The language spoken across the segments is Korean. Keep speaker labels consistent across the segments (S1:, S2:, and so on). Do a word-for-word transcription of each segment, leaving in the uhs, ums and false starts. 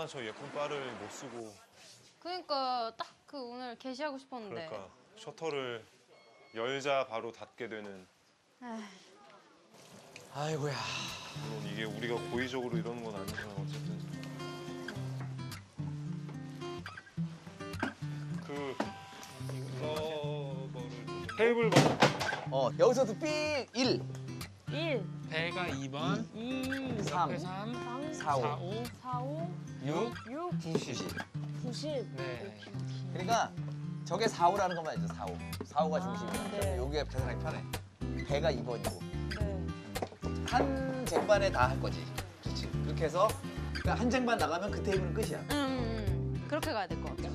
S1: 얼마나 저 예쁜 바를 못 쓰고.
S2: 그러니까 딱 그 오늘 게시하고 싶었는데.
S1: 그러니까 셔터를 열자 바로 닫게 되는.
S2: 에이.
S3: 아이고야.
S1: 물론 이게 우리가 고의적으로 이러는 건 아니지만 어쨌든. 그 서버를 테이블 번.
S3: 어 여기서도 삐 일,
S4: 일,
S5: 배가 이 번,
S4: 이,
S3: 삼,
S5: 옆에 삼,
S4: 삼,
S3: 사, 오,
S5: 사, 오,
S4: 사, 오,
S5: 육,
S4: 육,
S3: 구십.
S4: 구십.
S5: 네.
S3: 그러니까 저게 사, 오라는 것만 알죠. 사, 오. 사, 오가 중심이야.
S4: 네.
S3: 여기가 계산하기 편해. 배가 이 번이고
S4: 네.
S3: 한 쟁반에 다 할 거지. 그렇지. 그렇게 해서 그러니까 한 쟁반 나가면 그 테이블은 끝이야.
S2: 음, 음, 음. 그렇게 가야 될 것 같아.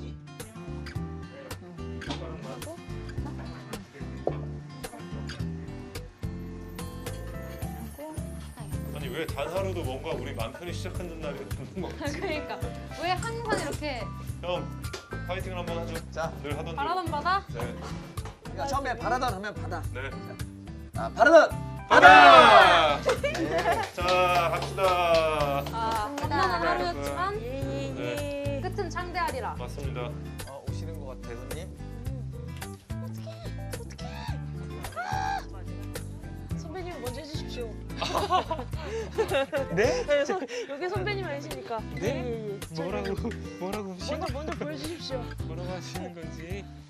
S1: 아니 왜 단 하루도 뭔가 우리 맘 편히 시작하는 날이 없는 거 같지?
S2: 그러니까 왜 항상 이렇게
S1: 형 파이팅을 한번 하죠.
S3: 자,
S1: 늘 하던 대로.
S2: 바라던 바다?
S1: 네.
S3: 그러니까 처음에 바라던 하면 바다.
S1: 네.
S3: 아, 바라던.
S1: 바다!
S3: 네.
S1: 자 갑시다.
S2: 아, 바다는 하루였지만
S4: 예, 예, 예.
S2: 끝은 창대하리라.
S1: 맞습니다.
S3: 어, 오시는 것 같아, 손님.
S4: 선배님 먼저 해주십시오.
S5: 네?
S4: 네, 선, 여기 선배님 아니십니까?
S5: 네?
S4: 예, 예, 예.
S5: 뭐라고 뭐라고
S4: 먼저 먼저 보여주십시오.
S5: 뭐라고 하시는 건지.